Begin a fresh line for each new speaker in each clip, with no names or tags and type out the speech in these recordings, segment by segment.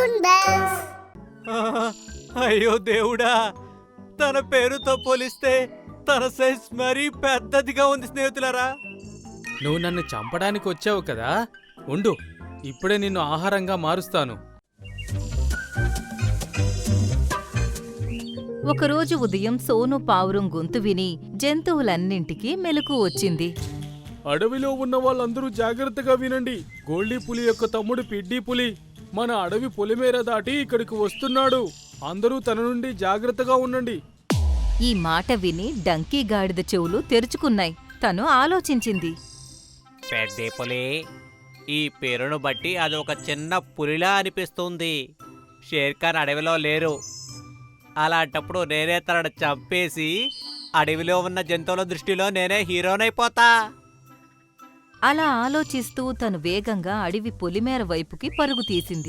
Cartoon bells.
అయ్యో దేవుడా, తన పేరుతో పోలిస్తే తన సైజ్ మరీ పెద్దదిగా ఉంది స్నేహితులారా.
నువ్వు నన్ను చంపడానికి వచ్చావు కదా, ఉండు, ఇప్పుడే నిన్ను ఆహారంగా మారుస్తాను.
ఒకరోజు ఉదయం సోను పావురం గొంతు విని జంతువులన్నింటికీ మెలకువ వచ్చింది.
అడవిలో ఉన్న వాళ్ళందరూ జాగ్రత్తగా వినండి. గోల్డీ పులి యొక్క తమ్ముడు పిడ్డీ పులి మన అడవి పొలిమేర దాటి ఇక్కడికి వస్తున్నాడు. అందరూ తన నుండి జాగ్రత్తగా ఉండండి.
ఈ మాట విని డంకీ గాడిద చెవులు తెరుచుకున్నాయి. తను ఆలోచించింది.
పెద్ద పులి, ఈ పేరును బట్టి అది ఒక చిన్న పులిలా అనిపిస్తుంది. షేర్ఖాన్ అడవిలో లేరు. అలాంటప్పుడు నేనే తనను చంపేసి అడవిలో ఉన్న జంతువుల దృష్టిలో నేనే హీరోనైపోతా.
అలా ఆలోచిస్తూ తను వేగంగా అడవి పొలిమేర వైపుకి పరుగు తీసింది.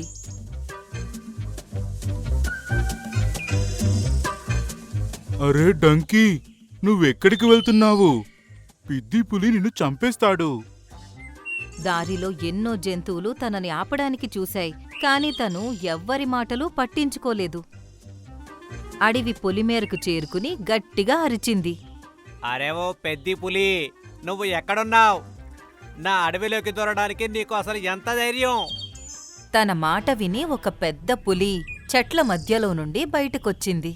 అరే డంకీ, నువ్వెక్కడికి వెళ్తున్నావు? పిద్ది పులి నిన్ను చంపేస్తాడు.
దారిలో ఎన్నో జంతువులు తనని ఆపడానికి చూశాయి, కాని తను ఎవ్వరి మాటలు పట్టించుకోలేదు. అడవి పొలిమేరకు చేరుకుని గట్టిగా అరిచింది.
అరే ఓ పెద్ది పులి, నువ్వు ఎక్కడున్నావు? నా అడవిలోకి దూరడానికి నీకు అసలు ఎంత ధైర్యం?
తన మాట విని ఒక పెద్ద పులి చెట్ల మధ్యలో నుండి బయటకొచ్చింది.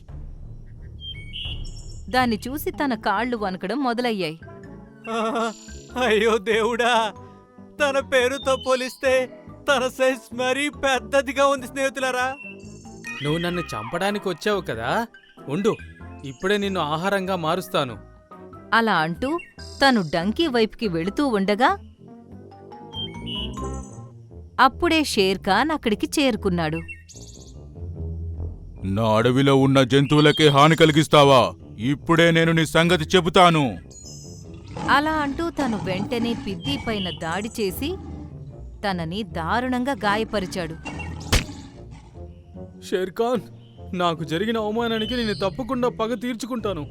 దాన్ని చూసి తన కాళ్లు వణకడం మొదలయ్యాయి.
అయ్యో దేవుడా, తన పేరుతో పోలిస్తే తన సైజ్ మరీ పెద్దదిగా ఉంది స్నేహితులారా.
నువ్వు నన్ను చంపడానికి వచ్చావు కదా, ఉండు, ఇప్పుడే నిన్ను ఆహారంగా మారుస్తాను.
అలా అంటూ తను డంకీ వైపుకి వెళుతూ ఉండగా అప్పుడే షేర్ఖాన్ అక్కడికి చేరుకున్నాడు.
నా అడవిలో ఉన్న జంతువులకే హాని కలిగిస్తావా? ఇప్పుడే నేను నీ సంగతి చెబుతాను.
అలా అంటూ తను వెంటనే పిద్ది పైన దాడి చేసి తనని దారుణంగా గాయపరిచాడు.
షేర్ఖాన్, నాకు జరిగిన అవమానానికి నేను తప్పకుండా పగ తీర్చుకుంటాను.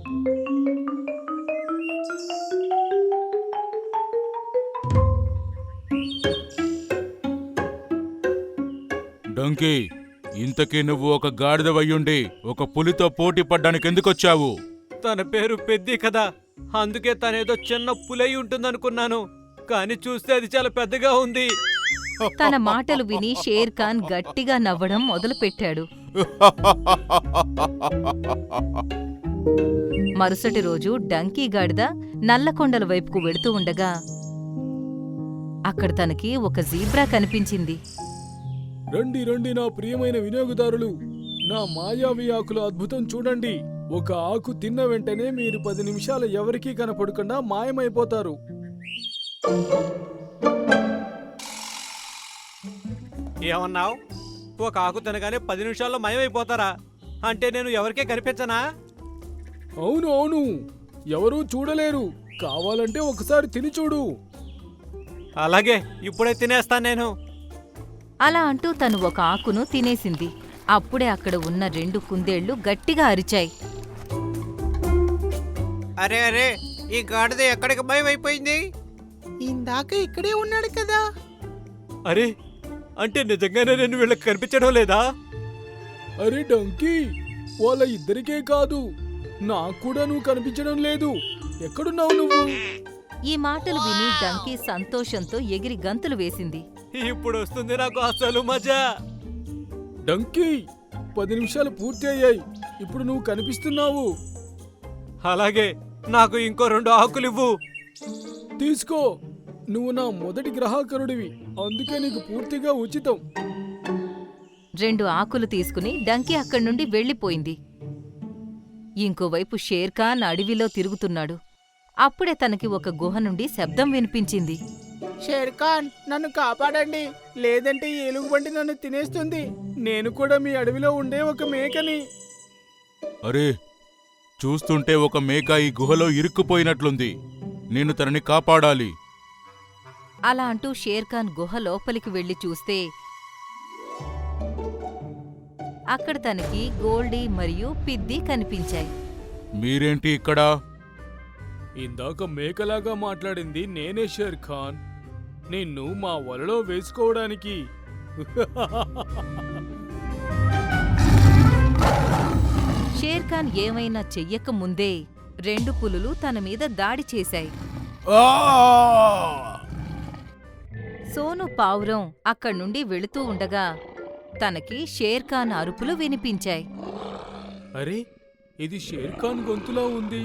డంకీ, ఇంతకీ నువ్వు ఒక గాడిదవయ్యుండి ఒక పులితో పోటీ పడ్డానికి ఎందుకొచ్చావు?
తన పేరు పెద్ది కదా, అందుకే తనేదో చిన్న పులై ఉంటుందనుకున్నాను. కానీ చూస్తే అది చాలా పెద్దగా ఉంది.
తన మాటలు విని షేర్ఖాన్ గట్టిగా నవ్వడం మొదలుపెట్టాడు. మరుసటి రోజు డంకీ గాడిద నల్లకొండల వైపుకు వెడుతూ ఉండగా అక్కడ తనకి ఒక జీబ్రా కనిపించింది.
రండి రండి నా ప్రియమైన వినియోగదారులు, నా మాయావి ఆకుల అద్భుతం చూడండి. ఒక ఆకు తిన్న వెంటనే మీరు 10 నిమిషాలు ఎవరికీ కనపడకుండా మాయమైపోతారు.
ఏమన్నావు? ఒక ఆకు తినగానే 10 నిమిషాల్లో మయమైపోతారా? అంటే నేను ఎవరికే కనిపించనా?
అవును అవును, ఎవరూ చూడలేరు. కావాలంటే ఒకసారి తిని చూడు.
అలాగే, ఇప్పుడే తినేస్తాను నేను.
అలా అంటూ తను ఒక ఆకును తినేసింది. అప్పుడే అక్కడ ఉన్న 2 కుందేళ్లు గట్టిగా అరిచాయి.
అరే అరే, ఈ గాడిద ఎక్కడికి మయమైపోయింది?
ఇందాక ఇక్కడే ఉన్నాడు కదా.
అరే, అంటే నిజంగానే నేను వీళ్ళకి కనిపించడం లేదా?
అరే డంకీ, వాళ్ళ ఇద్దరికే కాదు, నాకు కూడా నువ్వు కనిపించడం లేదు. ఎక్కడున్నావు నువ్వు?
ఈ మాటలు విని డంకీ సంతోషంతో ఎగిరి గంతులు వేసింది.
ఇప్పుడు వస్తుంది నాకు అసలు మజా.
డంకీ, 10 నిమిషాలు పూర్తి అయ్యాయి. ఇప్పుడు నువ్వు కనిపిస్తున్నావు.
అలాగే, నాకు ఇంకో 2 ఆకులివ్వు.
తీసుకో, నువ్వు నా మొదటి గ్రాహకుడివి, అందుకే నీకు పూర్తిగా ఉచితం.
2 ఆకులు తీసుకుని డంకీ అక్కడి నుండి వెళ్ళిపోయింది. ఇంకోవైపు షేర్ఖాన్ అడవిలో తిరుగుతున్నాడు. అప్పుడే తనకి ఒక గుహ నుండి శబ్దం వినిపించింది.
షేర్ఖాన్, నన్ను కాపాడండి, లేదంటే ఈ ఎలుగుబంటి నన్ను తినేస్తుంది. నేను కూడా మీ అడవిలో ఉండే ఒక మేకని.
అరే, చూస్తుంటే ఒక మేక ఈ గుహలో ఇరుక్కుపోయినట్లుంది. నేను తనని కాపాడాలి.
అలా అంటూ షేర్ఖాన్ గుహ లోపలికి వెళ్లి చూస్తే అక్కడ తనకి గోల్డీ మరియు పిద్ది కనిపించాయి.
మీరేంటి ఇక్కడ?
ఇందాక మేకలాగా మాట్లాడింది నేనే షేర్ఖాన్. నిన్ను మా వలలో వేసుకోవడానికి.
షేర్ఖాన్ ఏమైనా చెయ్యక ముందే 2 పులులు తన మీద దాడి చేశాయి. సోను పావురం అక్కడ్నుండి వెళుతూ ఉండగా తనకి షేర్ఖాన్ అరుపులు వినిపించాయి.
అరే, ఇది షేర్ఖాన్ గొంతులా ఉంది.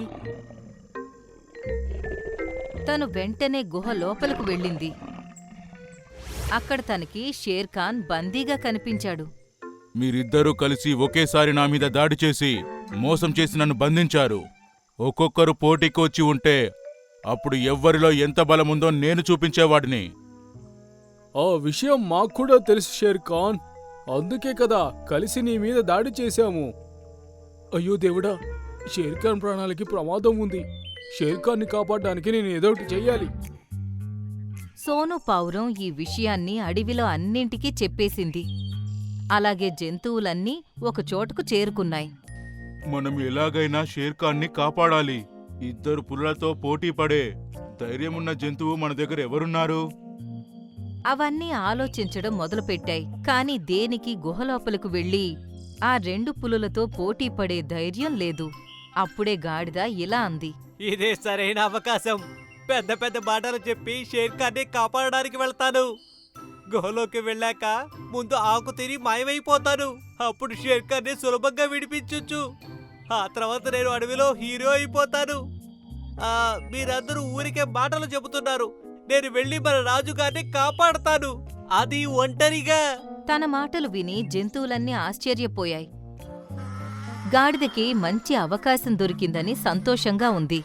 తను వెంటనే గుహ లోపలకు వెళ్ళింది. అక్కడ తనకి షేర్ఖాన్ బందీగా కనిపించాడు.
మీరిద్దరూ కలిసి ఒకేసారి నా మీద దాడి చేసి మోసం చేసి నన్ను బంధించారు. ఒక్కొక్కరు పోటీకి వచ్చి ఉంటే అప్పుడు ఎవ్వరిలో ఎంత బలముందో నేను చూపించేవాడిని.
ఆ విషయం మాకు కూడా తెలుసు షేర్ఖాన్. అందుకే కదా కలిసి నీ మీద దాడి చేశాము. అయ్యో దేవుడా, షేర్ఖాన్ ప్రాణాలకి ప్రమాదం ఉంది. షేర్ఖాన్ని కాపాడడానికి నేను ఏదో ఒకటి చెయ్యాలి.
సోను పావురం ఈ విషయాన్ని అడవిలో అన్నింటికీ చెప్పేసింది. అలాగే జంతువులన్నీ ఒక చోటుకు చేరుకున్నాయి.
మనం ఎలాగైనా షేర్ఖాన్ని కాపాడాలి. 2 పులులతో పోటీ పడే ధైర్యమున్న జంతువు మన దగ్గర ఎవరున్నారు?
అవన్నీ ఆలోచించడం మొదలుపెట్టాయి. కాని దేనికి గుహలోపలకు వెళ్ళి ఆ 2 పులులతో పోటీ పడే ధైర్యం లేదు. అప్పుడే గాడిద ఇలా అంది.
ఇదే సరైన అవకాశం. పెద్ద పెద్ద మాటలు చెప్పి షేర్ఖాన్ని కాపాడడానికి వెళ్తాను. గుహలోకి వెళ్ళాక ముందు ఆకు తిని మాయమైపోతాను. అప్పుడు షేర్ఖాన్ని సులభంగా విడిపించొచ్చు. ఆ తర్వాత నేను అడవిలో హీరో అయిపోతాను. మీరందరూ ఊరికే మాటలు చెబుతున్నారు. నేను వెళ్ళి మన రాజుగారిని కాపాడతాను, అది ఒంటరిగా.
తన మాటలు విని జంతువులన్నీ ఆశ్చర్యపోయాయి. గాడిదకి మంచి అవకాశం దొరికిందని సంతోషంగా ఉంది.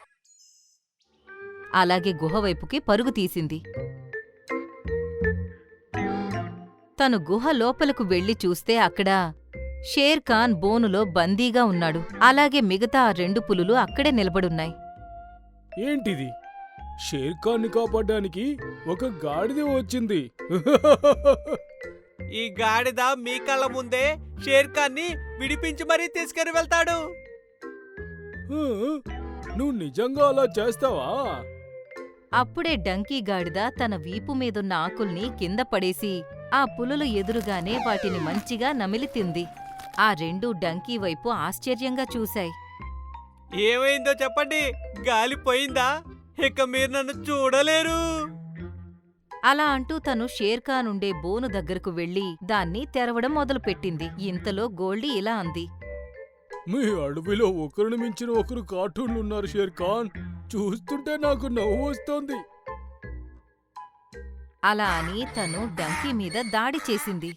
అలాగే గుహవైపుకి పరుగు తీసింది. తను గుహ లోపలకు వెళ్లి చూస్తే అక్కడ షేర్ఖాన్ బోనులో బందీగా ఉన్నాడు. అలాగే మిగతా ఆ 2 పులులు అక్కడే నిలబడున్నాయి.
ఏంటిది? షేర్ఖాన్ని కాపాడడానికి ఒక గాడిద వచ్చింది.
ఈ గాడిద మీ కళ్ళ ముందే షేర్ఖాన్ని విడిపించి మరీ తీసుకుని వెళ్తాడు.
నువ్వు నిజంగా అలా చేస్తావా?
అప్పుడే డంకీ గాడిద తన వీపు మీదున్న ఆకుల్ని కింద పడేసి ఆ పులులు ఎదురుగానే వాటిని మంచిగా నమిలి తింది. ఆ 2 డంకీ వైపు ఆశ్చర్యంగా చూశాయి.
ఏమైందో చెప్పండి. గాలి పోయిందా? ఇక మీరు నన్ను చూడలేరు.
అలా అంటూ తను షేర్ఖాన్ ఉండే బోను దగ్గరకు వెళ్లి దాన్ని తెరవడం మొదలుపెట్టింది. ఇంతలో గోల్డీ ఇలా అంది.
మీ అడవిలో ఒకరిని మించిన ఒకరు కార్టూన్లున్నారు షేర్ఖాన్. చూస్తుంటే నాకు నవ్వు వస్తోంది.
అలా అని తను డంకీ మీద దాడి చేసింది.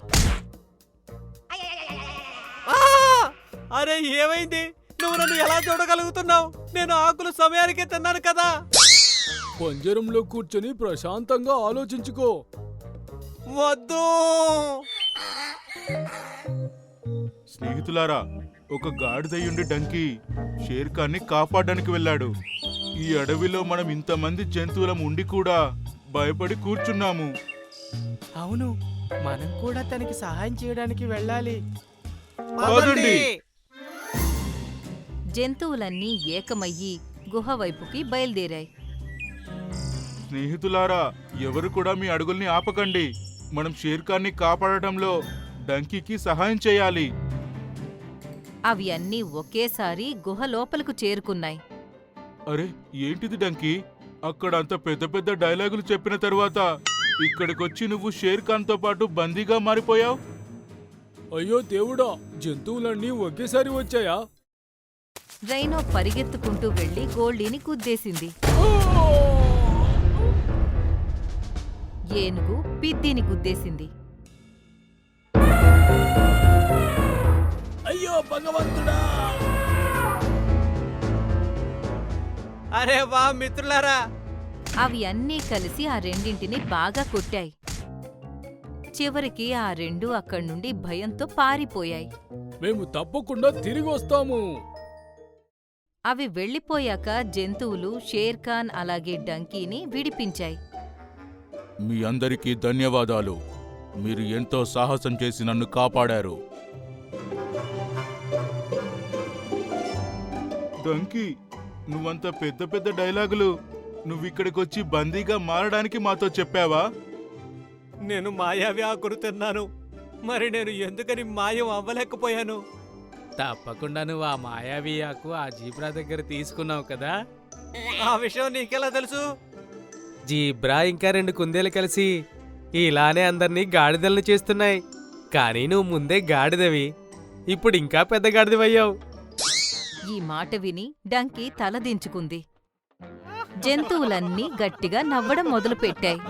అరే, ఏమైంది? నువ్వు నన్ను ఎలా చూడగలుగుతున్నావు? నేను ఆకులు సమయానికే తిన్నాను కదా.
పంజరంలో కూర్చొని ప్రశాంతంగా ఆలోచించుకో.
వద్దు.
స్నేహితులారా, ఒక గాడిదయ్యుండి డంకీ షేర్ఖాన్ని కాపాడడానికి వెళ్ళాడు. ఈ అడవిలో మనం ఇంతమంది జంతువులం ఉండి కూడా భయపడి కూర్చున్నాము.
అవును, మనం కూడా తనకి సహాయం చేయడానికి వెళ్ళాలి.
పదండి.
జంతువులన్నీ ఏకమయ్యి గుహవైపుకి బయలుదేరాయి.
స్నేహితులారా, ఎవరు కూడా మీ అడుగుల్ని ఆపకండి. మనం షేర్ఖాన్ని కాపాడటంలో డంకీకి సహాయం చేయాలి.
అవి అన్నీ ఒకేసారి గుహ లోపలకు చేరుకున్నాయి.
అరే, ఏంటిది డంకీ? అక్కడ అంత పెద్ద పెద్ద డైలాగులు చెప్పిన తరువాత ఇక్కడికొచ్చి నువ్వు షేర్ఖాన్తో పాటు బందీగా మారిపోయావు.
అయ్యో దేవుడా, జంతువులన్నీ ఒకేసారి వచ్చాయా?
రైనో పరిగెత్తుకుంటూ వెళ్లి గోల్డీని గుద్దేసింది. ఏనుగు పిద్దిని గుద్దేసింది.
అయ్యో భగవంతుడా!
అరే వా మిత్రులారా,
అవి అన్నీ కలిసి ఆ రెండింటిని బాగా కొట్టాయి. చివరికి ఆ 2 అక్కడ్నుండి భయంతో పారిపోయాయి.
మేము తప్పకుండా తిరిగి వస్తాము.
అవి వెళ్ళిపోయాక జంతువులు షేర్ఖాన్ అలాగే డంకీని విడిపించాయి.
మీ అందరికీ ధన్యవాదాలు. మీరు ఎంతో సాహసం చేసి నన్ను కాపాడారు. డంకీ, నువ్వంత పెద్ద పెద్ద డైలాగులు నువ్విక్కడికొచ్చి బందీగా మారడానికి మాతో చెప్పావా?
నేను మాయావి ఆకులు తిన్నాను. మరి నేను ఎందుకని మాయం అవ్వలేకపోయాను?
తప్పకుండా నువ్వు ఆ మాయావి ఆకు ఆ జీబ్రా దగ్గర తీసుకున్నావు కదా.
ఆ విషయం నీకెలా తెలుసు?
జీబ్రా ఇంకా 2 కుందేలు కలిసి ఇలానే అందర్నీ గాడిదలను చేస్తున్నాయి. కానీ నువ్వు ముందే గాడిదవి, ఇప్పుడు ఇంకా పెద్ద గాడిదవయ్యావు.
ఈ మాట విని డంకీ తల దించుకుంది. జంతువులన్నీ గట్టిగా నవ్వడం మొదలుపెట్టాయి.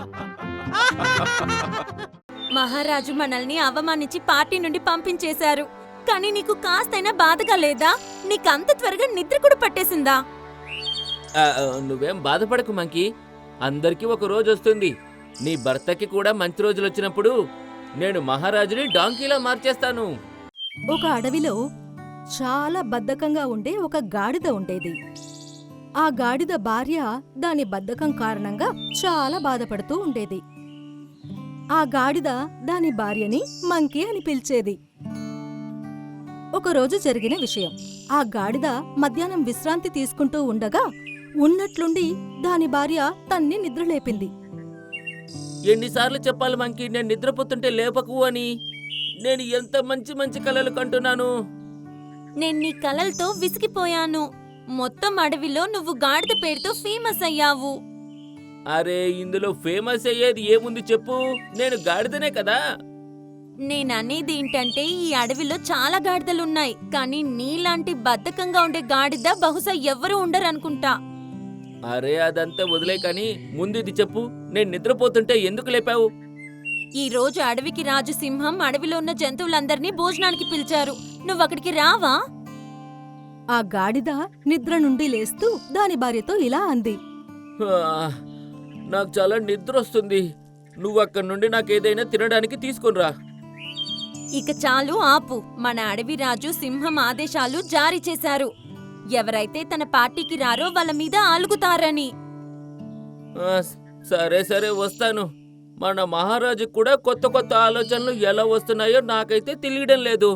మహారాజు మనల్ని అవమానించి పార్టీ నుండి పంపించేశారు. కానీ నీకు కాస్తైనా బాధగా లేదా? నీకంత త్వరగా నిద్ర కూడా పట్టేసిందా?
నువ్వేం బాధపడకు మంకీ, అందరికీ ఒక రోజు వస్తుంది. నీ భర్తకి కూడా మంచి రోజులు వచ్చినప్పుడు నేను మహారాజుని డాంకీలా మార్చేస్తాను.
ఒక అడవిలో చాలా బద్ధకంగా ఉండే ఒక గాడిద ఉండేది. ఆ గాడిద భార్య దాని బద్ధకం కారణంగా చాలా బాధపడుతూ ఉండేది. ఆ గాడిద దాని భార్యని మంకీ అని పిలిచేది. ఒకరోజు జరిగిన విషయం. ఆ గాడిద మధ్యాహ్నం విశ్రాంతి తీసుకుంటూ ఉండగా ఉన్నట్లుండి దాని భార్య తన్ని నిద్రలేపింది.
ఎన్నిసార్లు చెప్పాలి మంకీ, నేను నిద్రపోతుంటే లేపకు అని? నేను ఎంత మంచి మంచి కలలు కంటున్నాను.
నేను నీ కలలతో విసిగిపోయాను. మొత్తం అడవిలో నువ్వు గాడిద పేరుతో ఫేమస్ అయ్యావు.
అరే, ఇందులో ఫేమస్ అయ్యేది ఏముంది చెప్పు, నేను గాడిదనే కదా.
నేననేది ఏంటంటే ఈ అడవిలో చాలా గాడిదలున్నాయి, కానీ నీలాంటి బద్ధకంగా ఉండే గాడిద బహుశా ఎవ్వరూ ఉండరనుకుంటా.
అరే, అదంతా వదిలే కానీ ముందు ఇది చెప్పు, నేను నిద్రపోతుంటే ఎందుకు లేపావు?
ఈ రోజు అడవికి రాజు సింహం అడవిలో ఉన్న జంతువులందర్నీ భోజనానికి పిలిచారు. నువ్వక్కడికి రావా?
ఆ గాడిద నిద్ర నుండి లేస్తూ దాని భార్యతో ఇలా అంది.
ఆ, నాకు చాలా నిద్ర వస్తుంది. నువ్వు అక్కడి నుండి నాకేదైనా తినడానికి తీసుకునిరా.
ఇక చాలు ఆపు. మన అడవి రాజు సింహం ఆదేశాలు జారీ చేశారు. ఎవరైతే తన పార్టీకి రారో వాళ్ళ మీద అలుగుతారని.
ఆ, సరే సరే వస్తాను. మన మహారాజుకు కూడా కొత్త కొత్త ఆలోచనలు ఎలా వస్తున్నాయో నాకైతే తెలియడం లేదు.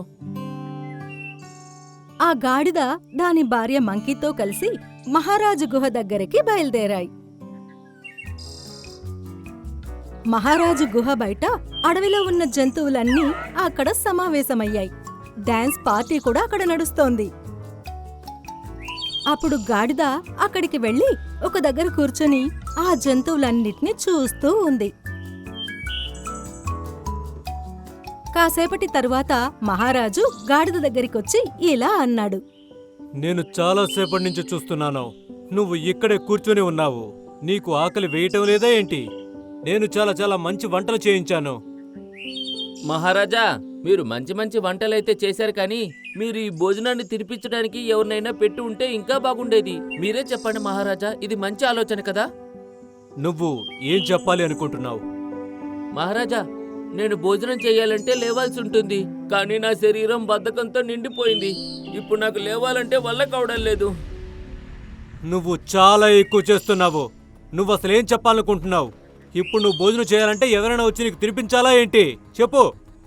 ఆ గాడిద దాని భార్య మంకీతో కలిసి మహారాజు గుహ దగ్గరికి బయలుదేరాయి. మహారాజు గుహ బయట అడవిలో ఉన్న జంతువులన్నీ అక్కడ సమావేశమయ్యాయి. డాన్స్ పార్టీ కూడా అక్కడ నడుస్తోంది. అప్పుడు గాడిద అక్కడికి వెళ్లి ఒక దగ్గర కూర్చొని ఆ జంతువులన్నిటినీ చూస్తూ ఉంది. కాసేపటి తరువాత మహారాజు గాడిద దగ్గరికొచ్చి ఇలా అన్నాడు.
నేను చాలాసేపటి నుంచి చూస్తున్నాను. నువ్వు ఇక్కడే కూర్చొని ఉన్నావు. నీకు ఆకలి వేయటం లేదా ఏంటి? నేను చాలా చాలా మంచి వంటలు చేయించాను.
మహారాజా, మీరు మంచి మంచి వంటలైతే చేశారు, కానీ మీరు ఈ భోజనాన్ని తినిపించడానికి ఎవరినైనా పెట్టి ఉంటే ఇంకా బాగుండేది. మీరే చెప్పండి మహారాజా, ఇది మంచి ఆలోచన కదా?
నువ్వు ఏం చెప్పాలి అనుకుంటున్నావు?
మహారాజా, నేను భోజనం చేయాలంటే లేవాల్సి ఉంటుంది, కానీ నా శరీరం బద్ధకంతో నిండిపోయింది. ఇప్పుడు నాకు లేవాలంటే వల్ల కావడం లేదు.
నువ్వు చాలా ఎక్కువ చేస్తున్నావు. నువ్వు అసలు ఏం చెప్పాలనుకుంటున్నావు? ఇప్పుడు నువ్వు భోజనం చేయాలంటే ఎవరైనా వచ్చి నీకు తినిపించాలా ఏంటి? చెప్పు.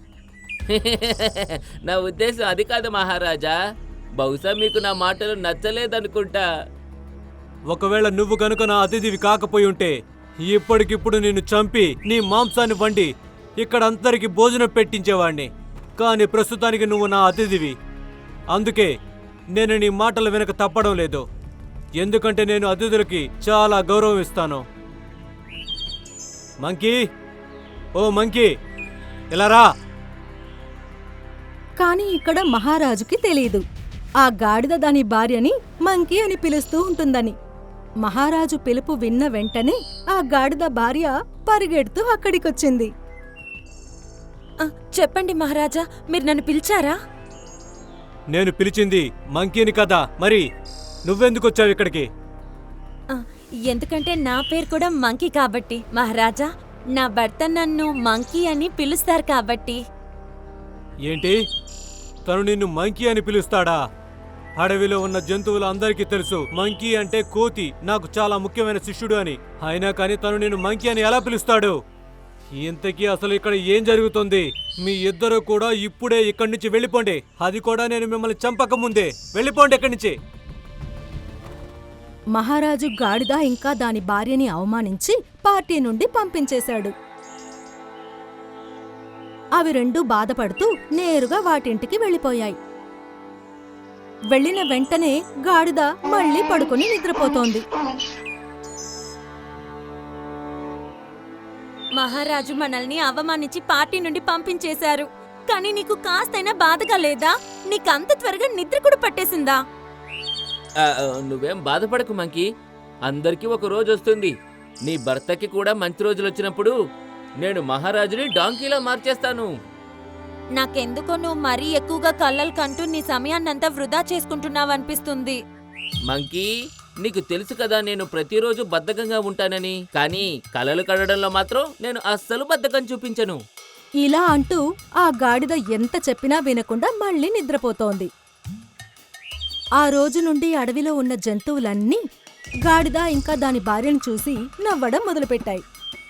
నా ఉద్దేశం అది కాదు మహారాజా. బహుశా మీకు నా మాటలు నచ్చలేదనుకుంటా.
ఒకవేళ నువ్వు గనుక నా అతిథివి కాకపోయి ఉంటే ఇప్పటికిప్పుడు నిన్ను చంపి నీ మాంసాన్ని వండి ఇక్కడ అందరికి భోజనం పెట్టించేవాణ్ణి. కానీ ప్రస్తుతానికి నువ్వు నా అతిథివి. అందుకే నేను నీ మాటలు వెనక తప్పడం లేదు. ఎందుకంటే నేను అతిథులకి చాలా గౌరవం ఇస్తాను. మంకీ, ఓ మంకీ, ఇలా రా.
కాని ఇక్కడ మహారాజుకి తెలీదు ఆ గాడిద దాని భార్యని మంకీ అని పిలుస్తూ ఉంటుందని. మహారాజు పిలుపు విన్న వెంటనే ఆ గాడిద భార్య పరిగెడుతూ అక్కడికొచ్చింది.
చెప్పండి మహారాజా, మీరు నన్ను పిలిచారా?
నేను పిలిచింది మంకీని కదా, మరి నువ్వెందుకొచ్చావు ఇక్కడికి?
ఎందుకంటే నా పేరు కూడా మంకీ కాబట్టి. మహారాజా, నా భర్త నన్ను మంకీ అని పిలుస్తారు కాబట్టి.
ఏంటి? తను నిన్ను మంకీ అని పిలుస్తాడా? అడవిలో ఉన్న జంతువులు అందరికీ తెలుసు మంకీ అంటే కోతి నాకు చాలా ముఖ్యమైన శిష్యుడు అని. అయినా కానీ తను నిన్ను మంకీ అని ఎలా పిలుస్తాడు? ఇంతకీ అసలు ఇక్కడ ఏం జరుగుతుంది? మీ ఇద్దరు కూడా ఇప్పుడే ఇక్కడి నుంచి వెళ్ళిపోండి. అది కూడా నేను మిమ్మల్ని చంపక ముందే. వెళ్ళిపోండి ఇక్కడి నుంచి.
మహారాజు గాడిద ఇంకా దాని భార్యని అవమానించి పార్టీ నుండి పంపించేశాడు. అవి రెండూ బాధపడుతూ నేరుగా వాటింటికి వెళ్ళిపోయాయి. వెళ్ళిన వెంటనే గాడిద మళ్ళీ పడుకొని నిద్రపోతోంది.
మహారాజు మనల్ని అవమానించి పార్టీ నుండి పంపించేశారు. కానీ నీకు కాస్తైనా బాధగా లేదా? నీకంత త్వరగా నిద్ర కూడా పట్టేసిందా?
నువ్వేం బాధపడకు మంకీ, అందరికీ ఒక రోజు వస్తుంది. నీ భర్తకి కూడా మంచి రోజులు వచ్చినప్పుడు నేను మహారాజుని డాంకీలా మార్చేస్తాను.
నాకెందుకో నువ్వు మరీ ఎక్కువగా కళ్ళలు కంటూ నీ సమయాన్నంతా వృధా చేసుకుంటున్నావనిపిస్తుంది.
మంకీ, నీకు తెలుసు కదా నేను ప్రతిరోజు బద్ధకంగా ఉంటానని. కానీ కలలు కడడంలో మాత్రం నేను అస్సలు బద్ధకం చూపించను.
ఇలా అంటూ ఆ గాడిద ఎంత చెప్పినా వినకుండా మళ్ళీ నిద్రపోతోంది. ఆ రోజు నుండి అడవిలో ఉన్న జంతువులన్నీ గాడిద ఇంకా దాని భార్యను చూసి నవ్వడం మొదలుపెట్టాయి.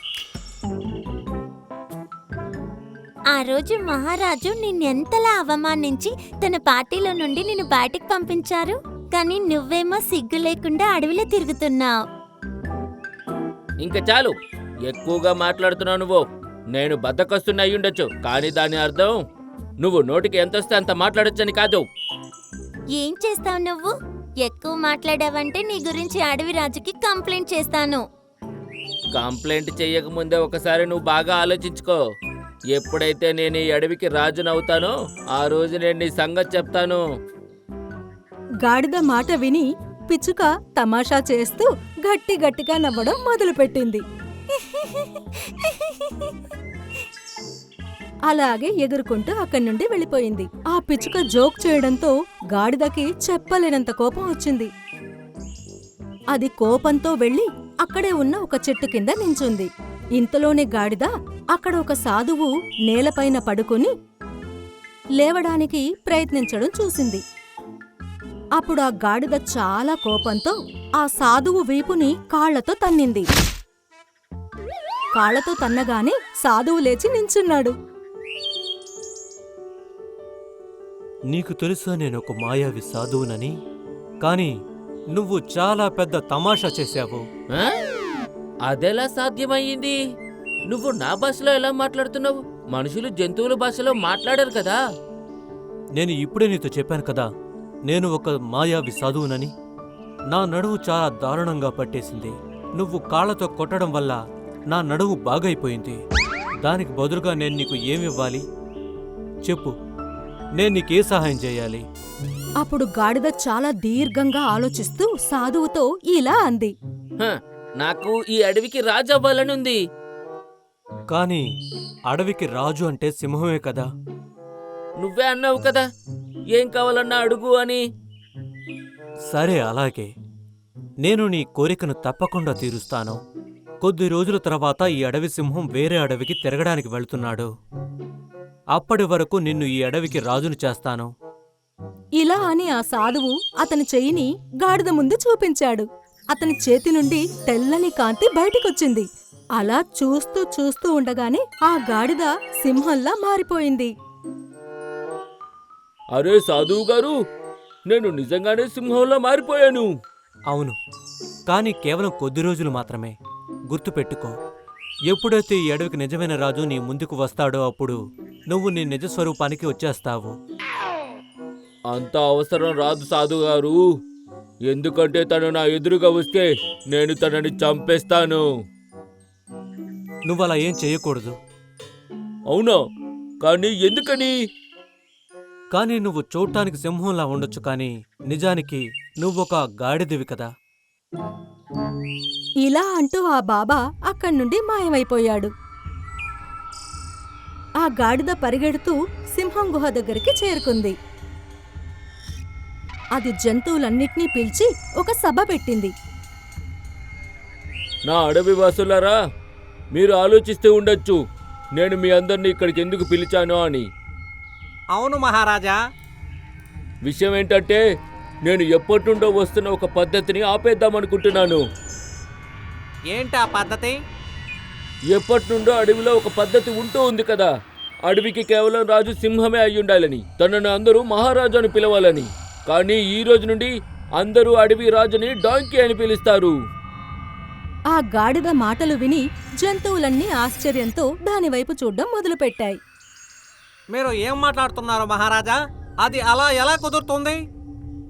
ఆ రోజు మహారాజు నిన్నెంతలా అవమానించి తన పార్టీలో నుండి నిన్ను బయటికి పంపించారు. కానీ నువ్వేమో సిగ్గు లేకుండా అడవిలో తిరుగుతున్నావు.
ఇంకా చాలు, ఎక్కువగా మాట్లాడుతున్నావు నువ్వు. నేను బద్ధకస్తున్న అయ్యుండొచ్చు, కానీ దాని అర్థం నువ్వు నోటికి ఎంతొస్తే అంత మాట్లాడొచ్చని కాదు.
ఏం చేస్తావు నువ్వు? ఎక్కువ మాట్లాడావంటే నీ గురించి అడవి రాజుకి కంప్లైంట్ చేస్తాను.
కంప్లైంట్ చెయ్యకముందే ఒకసారి నువ్వు బాగా ఆలోచించుకో. ఎప్పుడైతే నేను ఈ అడవికి రాజునవుతానో ఆ రోజు నేను నీ సంగతి చెప్తాను.
గాడిద మాట విని పిచ్చుక తమాషా చేస్తూ గట్టిగా నవ్వడం మొదలుపెట్టింది. అలాగే ఎగురుకుంటూ అక్కడి నుండి వెళ్ళిపోయింది. ఆ పిచ్చుక జోక్ చేయడంతో గాడిదకి చెప్పలేనంత కోపం వచ్చింది. అది కోపంతో వెళ్లి అక్కడే ఉన్న ఒక చెట్టు కింద నించుంది. ఇంతలోనే గాడిద అక్కడ ఒక సాధువు నేలపైన పడుకుని లేవడానికి ప్రయత్నించడం చూసింది. అప్పుడు ఆ గాడిద చాలా కోపంతో ఆ సాధువు వీపుని కాళ్లతో తన్నింది. కాళ్లతో తన్నగానే సాధువు లేచి నించున్నాడు.
నీకు తెలుసా నేను ఒక మాయావి సాధువునని? కానీ నువ్వు చాలా పెద్ద తమాషా చేశావు.
ఆ? అదెలా సాధ్యమయ్యింది? నువ్వు నా భాషలో ఎలా మాట్లాడుతున్నావు? మనుషులు జంతువుల భాషలో మాట్లాడరు కదా.
నేను ఇప్పుడే నీతో చెప్పాను కదా, నేను ఒక మాయావి సాధువునని. నా నడువు చాలా దారుణంగా పట్టేసింది. నువ్వు కాళ్లతో కొట్టడం వల్ల నా నడువు బాగైపోయింది. దానికి బదులుగా నేను నీకు ఏమివ్వాలి చెప్పు, నేను నీకే సహాయం చేయాలి?
అప్పుడు గాడిద చాలా దీర్ఘంగా ఆలోచిస్తూ సాధువుతో ఇలా అంది.
హ, నాకు ఈ అడవికి రాజు అవ్వాలనుంది.
కానీ అడవికి రాజు అంటే సింహమే కదా.
నువ్వే అన్నావు కదా ఏం కావాలన్నా అడుగు అని.
సరే, అలాగే. నేను నీ కోరికను తప్పకుండా తీరుస్తాను. కొద్ది రోజుల తర్వాత ఈ అడవి సింహం వేరే అడవికి తిరగడానికి వెళ్తున్నాడు. అప్పటి వరకు నిన్ను ఈ అడవికి రాజును చేస్తాను.
ఇలా అని ఆ సాధువు అతని చెయ్యిని గాడిద ముందు చూపించాడు. అతని చేతి నుండి తెల్లని కాంతి బయటికొచ్చింది. అలా చూస్తూ ఉండగానే ఆ గాడిద సింహంలా మారిపోయింది.
అరే సాధువు గారు, నేను నిజంగానే సింహంలో మారిపోయాను.
అవును, కానీ కేవలం కొద్ది రోజులు మాత్రమే. గుర్తుపెట్టుకో, ఎప్పుడైతే ఈ అడవికి నిజమైన రాజు నీ ముందుకు వస్తాడో అప్పుడు నువ్వు నీ నిజ స్వరూపానికి వచ్చేస్తావు.
అంత అవసరం రాదు సాధువు గారు, ఎందుకంటే తను నా ఎదురుగా వస్తే నేను తనని చంపేస్తాను.
నువ్వలా ఏం చేయకూడదు.
అవునా? కానీ ఎందుకని?
కానీ నువ్వు చూడటానికి సింహంలా ఉండొచ్చు, కానీ నిజానికి నువ్వొక గాడిదివి కదా.
ఇలా అంటూ ఆ బాబా అక్కడ్నుండి మాయమైపోయాడు. ఆ గాడిద పరిగెడుతూ సింహం గుహ దగ్గరికి చేరుకుంది. అది జంతువులన్నిటినీ పిలిచి ఒక సభ పెట్టింది.
నా అడవి వాసులారా, మీరు ఆలోచిస్తూ ఉండొచ్చు నేను మీ అందరినీ ఇక్కడికి ఎందుకు పిలిచానో అని.
అవును మహారాజా.
విషయం ఏంటంటే నేను ఎప్పటి నుండో వస్తున్న ఒక పద్ధతిని ఆపేద్దామనుకుంటున్నాను.
ఏంటా పద్ధతి?
ఎప్పటి నుండో అడవిలో ఒక పద్ధతి ఉంటూ ఉంది కదా, అడవికి కేవలం రాజు సింహమే అయి ఉండాలని, తనను అందరూ మహారాజు అని పిలవాలని. కానీ ఈ రోజు నుండి అందరూ అడవి రాజుని డాంకీ అని పిలుస్తారు.
ఆ గాడిద మాటలు విని జంతువులన్నీ ఆశ్చర్యంతో దానివైపు చూడ్డం మొదలుపెట్టాయి.
మీరు ఏం మాట్లాడుతున్నారు మహారాజా? అది అలా ఎలా కుదురుతుంది?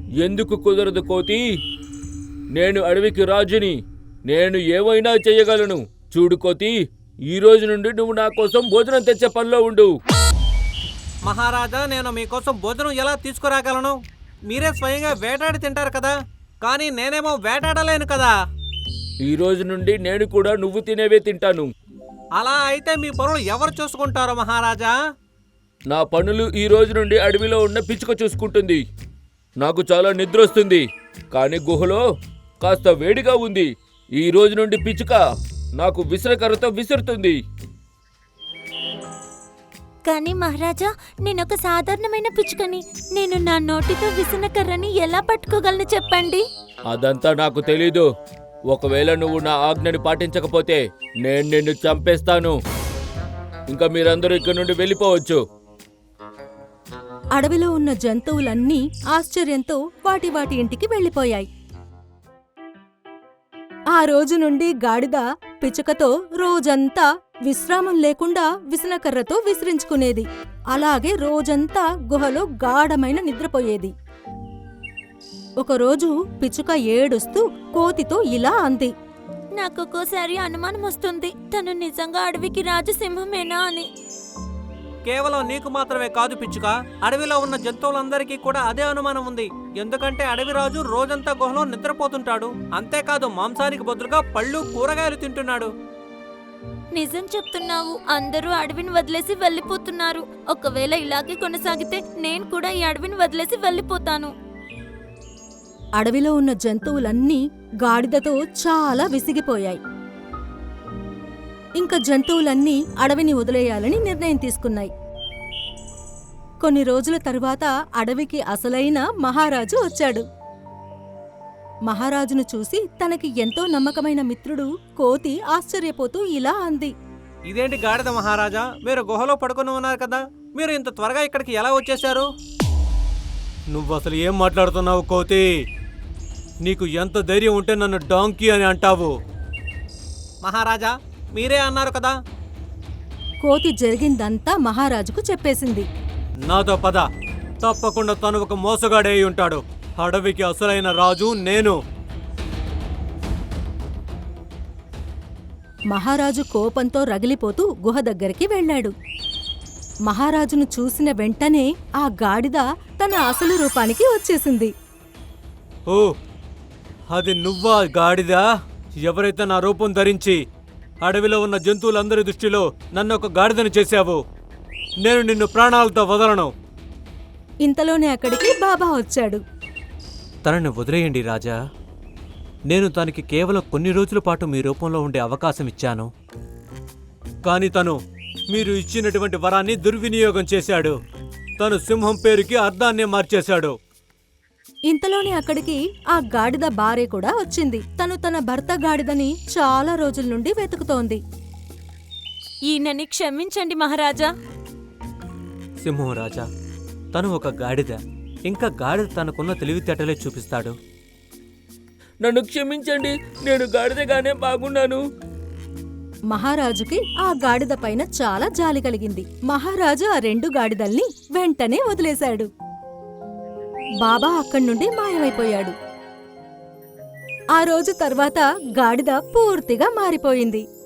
ఎందుకు కుదరదు కోతి? నేను అడవికి రాజుని. నేను ఏమైనా చెయ్యగలను. చూడు కోతి, ఈ రోజు నుండి నువ్వు నా కోసం భోజనం తెచ్చే పనిలో ఉండు.
మహారాజా, నేను మీకోసం భోజనం ఎలా తీసుకురాగలను? మీరే స్వయంగా వేటాడి తింటారు కదా, కానీ నేనేమో వేటాడలేను కదా.
ఈ రోజు నుండి నేను కూడా నువ్వు తినేవే తింటాను.
అలా అయితే మీ పనులు ఎవరు చూసుకుంటారో మహారాజా?
నా పనులు ఈ రోజు నుండి అడవిలో ఉన్న పిచ్చుక చూసుకుంటుంది. నాకు చాలా నిద్ర వస్తుంది, కానీ గుహలో కాస్త వేడిగా ఉంది. ఈ రోజు నుండి పిచ్చుక నాకు విసరకర్రతో విసురుతుంది.
కానీ మహారాజా, నేనొక సాధారణమైన పిచ్చుకని. నేను నా నోటితో విసనకర్రని ఎలా పట్టుకోగలను చెప్పండి?
అదంతా నాకు తెలీదు. ఒకవేళ నువ్వు నా ఆజ్ఞని పాటించకపోతే నేను నిన్ను చంపేస్తాను. ఇంకా మీరందరూ ఇక్కడి నుండి వెళ్ళిపోవచ్చు.
అడవిలో ఉన్న జంతువులన్నీ ఆశ్చర్యంతో వాటి వాటి ఇంటికి వెళ్ళిపోయాయి. ఆ రోజు నుండి గాడిద పిచ్చుకతో రోజంతా విశ్రామం లేకుండా విసనకర్రతో విసిరించుకునేది. అలాగే రోజంతా గుహలో గాఢమైన నిద్రపోయేది. ఒకరోజు పిచ్చుక ఏడుస్తూ కోతితో ఇలా అంది.
నాకొక్కోసారి అనుమానం వస్తుంది, తను నిజంగా అడవికి రాజు సింహమేనా అని.
కేవలం నీకు మాత్రమే కాదు పిచ్చుక, అడవిలో ఉన్న జంతువులందరికీ కూడా అదే అనుమానం ఉంది. ఎందుకంటే అడవి రాజు రోజంతా గుహలో నిద్రపోతుంటాడు. అంతేకాదు, మాంసానికి బదులుగా పళ్ళు, కూరగాయలు తింటున్నాడు.
నిజం చెప్తున్నావు. అందరూ అడవిని వదిలేసి వెళ్ళిపోతున్నారు. ఒకవేళ ఇలాగే కొనసాగితే నేను కూడా ఈ అడవిని వదిలేసి వెళ్ళిపోతాను.
అడవిలో ఉన్న జంతువులన్నీ గాడిదతో చాలా విసిగిపోయాయి. ఇంకా జంతువులన్నీ అడవిని వదిలేయాలని నిర్ణయం తీసుకున్నాయి. కొన్ని రోజుల తరువాత అడవికి అసలైన మహారాజు వచ్చాడు. మహారాజును చూసి తనకి ఎంతో నమ్మకమైన మిత్రుడు కోతి ఆశ్చర్యపోతూ ఇలా అంది.
ఇదేంటి గాడిద మహారాజా, మీరు గుహలో పడుకుని ఉన్నారు కదా, మీరు ఇంత త్వరగా ఇక్కడికి ఎలా వచ్చేశారు?
నువ్వు అసలు ఏం మాట్లాడుతున్నావు కోతి? నీకు ఎంత ధైర్యం ఉంటే నన్ను డాంకీ అని అంటావు?
మహారాజా, మీరే అన్నారు కదా.
కోతి జరిగిందంతా మహారాజుకు చెప్పేసింది.
నాతో పద. తప్పకుండా తను ఒక మోసగాడే అయి ఉంటాడు. అడవికి అసలైన రాజు నేను.
మహారాజు కోపంతో రగిలిపోతూ గుహ దగ్గరికి వెళ్ళాడు. మహారాజును చూసిన వెంటనే ఆ గాడిద తన అసలు రూపానికి వచ్చేసింది.
ఓ, అది నువ్వా గాడిదా? ఎవరైతే నా రూపం ధరించి అడవిలో ఉన్న జంతువులందరి దృష్టిలో నన్ను ఒక గాడిదను చేశావు, నేను నిన్ను ప్రాణాలతో వదలను.
ఇంతలోనే అక్కడికి బాబా వచ్చాడు.
తనని వదిలేయండి రాజా. నేను తనకి కేవలం కొన్ని రోజుల పాటు మీ రూపంలో ఉండే అవకాశం ఇచ్చాను. కానీ తను మీరు ఇచ్చినటువంటి వరాన్ని దుర్వినియోగం చేశాడు. తను సింహం పేరుకి అర్థాన్నే మార్చేశాడు.
ఇంతలోనే అక్కడికి ఆ గాడిద భార్య కూడా వచ్చింది. తను తన భర్త గాడిదని చాలా రోజుల నుండి వెతుకుతోంది.
ఈయనని క్షమించండి మహారాజా.
సింహం రాజా, తను ఒక గాడిద. ఇంకా గాడిద తనకున్న తెలివితేటలే చూపిస్తాడు.
నన్ను క్షమించండి, నేను గాడిదగానే బాగున్నాను.
మహారాజుకి ఆ గాడిద పైన చాలా జాలి కలిగింది. మహారాజు ఆ 2 గాడిదల్ని వెంటనే వదిలేశాడు. బాబా అక్కడి నుండి మాయమైపోయాడు. ఆ రోజు తర్వాత గాడిద పూర్తిగా మారిపోయింది.